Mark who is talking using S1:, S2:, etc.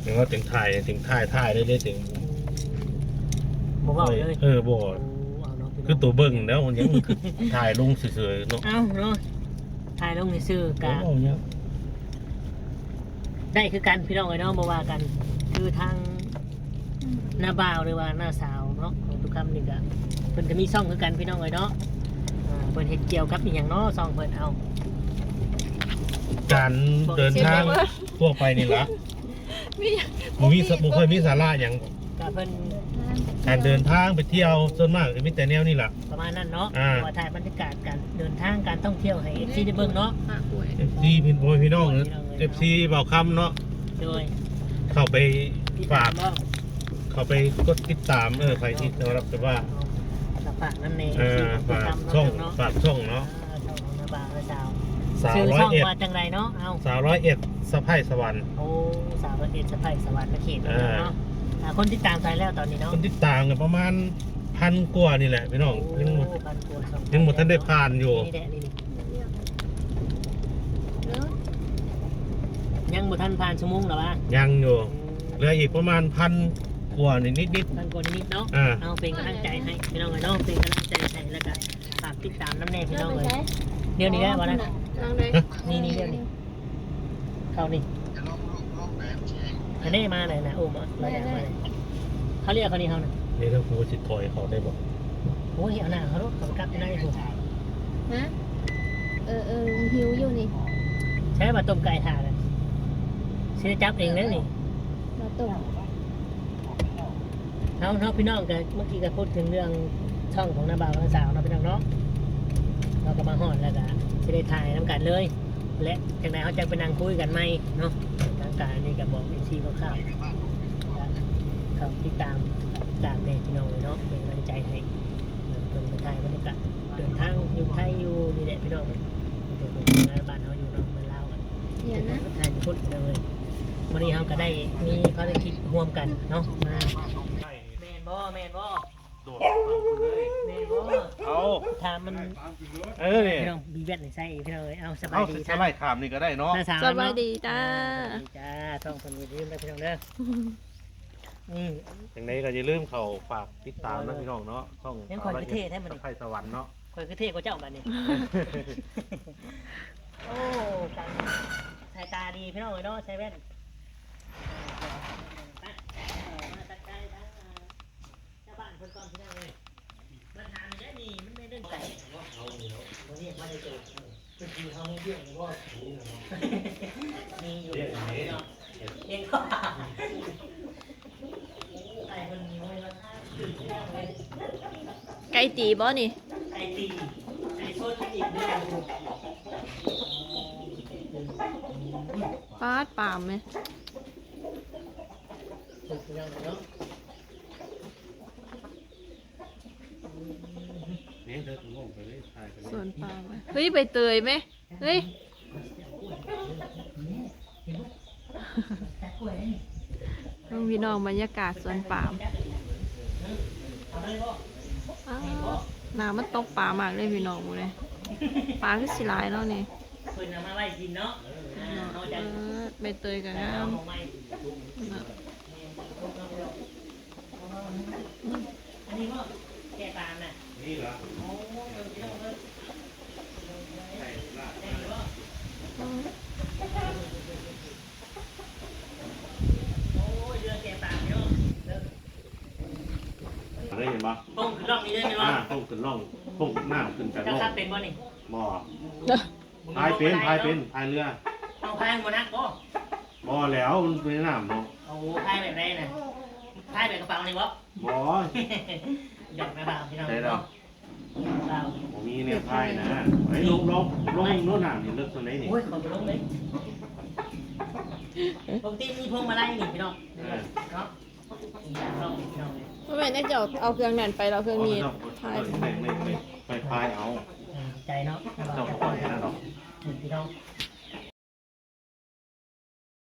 S1: ถึงว่าถึงถ่ายได้ถึง
S2: บ่เว้าเลย
S1: บ่
S2: เอาเนาะ
S1: คือตัวเบิ่งแล้วมันยังคือถ่ายลงเฉยๆเนาะ
S2: เอาเนาะถ่ายลงในซื่อกะ
S1: เอาเนี่ย
S2: ได้คือกันพี่น้องเอ้ยเนาะบ่ว่ากัน คือทางหน้าบ่าวหรือว่าหน้าสาวเนาะของทุกคำนี่ก็เพิ่นก็มีช่องคือกันพี่น้องเอ้ยเนาะเพิ่นเฮ็ดเกี่ยวกับอีหยังเนาะช่องเพิ่นเอา
S1: การเดินทางทั่วไปนี่ละบ่เคยมีสาระอย่าง
S2: ก็เพิ่น
S1: การเดินทางไปเที่ยวส่วนมากจะมีแต่แนวนี่แหละ
S2: ประมาณนั้นเนาะ
S1: อ่า
S2: ว่าถ่ายบรรยากาศการเดินทางการท่องเที่ยวให้ FC ได้เบิ่งเนาะ
S1: FC พี่น้อง FC เบาคำเนาะ
S2: โดย
S1: เข้าไป
S2: ที่
S1: ฝาก
S2: บ่
S1: เข้าไปกดติดตามใครที่จะรับแต่ว่า
S2: ฝากนั่นเอง
S1: ฝากช่องฝากช่องเนาะ
S2: ช่องของหน้าบ่าวและสาว
S1: สาว
S2: ชื่อ
S1: ร้อย
S2: ช่อง
S1: เอ็ด
S2: ว่าจังไรเนาะเอา
S1: สาว101สะไพร่สวรรค์
S2: โอ้สาวประเทศสะไพสวรรค์เขตเนาะคนที่ตามใจแล้วตอนนี้เนาะ
S1: คนติดตามกันประมาณ1,000 กว่านี่แหละพี่น้องยังหมด
S2: พันกว่า
S1: ยังหมดท่านได้ผ่านอยู่
S2: นี่แหละนี่ยังหมดท่านผ่านชั่วโมงหรอวะ
S1: ยังอยู่เหลืออีกประมาณ1,000 กว่านิด
S2: พันกว่านิดเนาะ
S1: อ่า
S2: เอาเป็นกำลังใจให้พี่น้องเลยเนาะเป็นกำลังใจให้แล้วก็ฝากติดตามน้ำแน่พี่น้องเลยเดี๋ยวนี้ได้ป่ะนะนี่เดี๋ยวนี้เข้านี่อันนี้มาเลยนะโอ้มาเราอยากมาเลยเขาเรียกเขานี่เขานะ
S1: นี่ถ้าครูสิถอยเขาได้บอก
S2: โอ้ยเอาหน้าเขาลูกเขากลับไปได้ถูก
S3: ฮะหิวอยู่นี่
S2: ใช้มาต้มไก่ถ่านเลยเสียจับเองนั่นนี่
S3: เราต้ม
S2: เขาพี่น้องกันเมื่อกี้ก็พูดถึงเรื่องช่องของน้าบ่าวน้าสาวเนาะพี่น้องเนาะเราก็มาฮอดแล้วก็จะได้ถ่ายน้ำกันเลย และจากนั้นเขาจะไปนั่งคุยกันไหมเนาะทางการนี่ก็บอกชีคร่าวๆเขาติดตามเนี่ยพี่น้องเลยเนาะเป็นกำลังใจให้เป็นคนไทยบรรยากาศเดินทางอยู่ไทยอยู่นี่แหละพี่น้องเป็นงานบ้านเขาอยู่เนาะมาเล่ากัน
S3: เดี๋ยวนะ
S2: ไทยพูดเลยวันนี้เขาก็ได้มีภารกิจร่วมกันเนาะมาแมนบ่
S1: โดดฟังคุณเลย
S2: แมนบ่
S1: เอา
S2: ถามมัน
S1: เนี่ย
S2: พี่น้องบีแบทในไส้พี่น้องเอาสบา
S1: เอา
S2: ยดี
S1: สไลด์ขามนี่ก็ได้เนาะ
S2: หน้าสาว
S3: สบายดีจ้า
S2: จ้าท่องคนมีลืมได้พี่น้องเด้ออืม
S1: อย่างนี้ก็อย่าลืมเขาฝากติดตามนะพี่น้องเนาะช่อง
S2: ยังคอยคือเท่แท้มัน
S1: สะไพร่สวรรค์เนาะ
S2: คอยคือเท่กว่าเจ้าบัดนี้โอ้การสายตาดีพี่น้องเลยเนาะใช้แว่นมาตัดใจทั้งเจ้าบ้านคนก่อนพี่น้องเลยมันทำได้ดีมันไม่เรื่องไก่วันนี้มาได้เจอคือทีเขาไม่เที่ยงว่ามีอยู่เองก็ไก่คนนี้ไม่มาท่าตื่นเต้นเลย
S3: ไก่ตีบ่นี่
S2: ไก่ตีไก่โซดอีกด้วย
S3: ฟาดปามไหม
S2: ถูกต้องเนาะ
S1: นี่เธอถึงลงไปเลยถ่ายไปเลย
S3: สวนปามไหมเฮ้ยใบเตยไหมเฮ้ยน้องพี่น้องบรรยากาศสวนปามอ้าวน้ำมันตกปลามากเลยพี่น้องหมูเลยปลาคือสิหลายแล้วนี่
S2: เพิ่นเอามาไว้กินเนาะเขาจะ
S3: ใบเตยกับงา
S2: เอา
S3: ม
S2: ของใหม่อันนี้ก็แกะตามน่ะ
S1: นี่เหรอ
S2: โอ้พี่น้องเลยได้หรือเปล่าโอ้ยเรือแกะตามพี่น้องเด้อ
S1: ได้เห็นปะ
S2: ป้องขึ้นร่องนี้ได้ไหมวะ
S1: ต้องขึ้นร่องต้องหน้าขึ้นจาก
S2: เจ้า
S1: ร่อง
S2: ครับเป็นบ่นี่
S1: บ่อพายเป็นพายเรือ
S2: เอาพายหัวนักบ่
S1: บ่แล้วมันเป็นน้ำเนาะ
S2: โอ้พายแบบไรน่ะพายแบบกระเป๋านี่บ่
S1: บ่
S2: หยอกแม่บ่าวพี่น้อง
S1: ได้แล้ว
S2: บ่าว
S1: ผมมีเนี่ยพายนะไอ้ลงโน้นน้ำนี่เลิกตรงไหนนี่
S2: โอ้ยขอบคุณเลยปกติมีพวงมาลัยนี่พี่น้องเนาะน้องพี่น้องเลย
S3: เมื่อไหร่น่าจะเอาเครื่องนั่นไปเราเครื่องนี้ถ่าย
S1: ไม่ไปพายเอา
S2: ใจเนาะ
S1: เจ้าปล่อยแค่นั้นหรอก
S2: พี่น้อง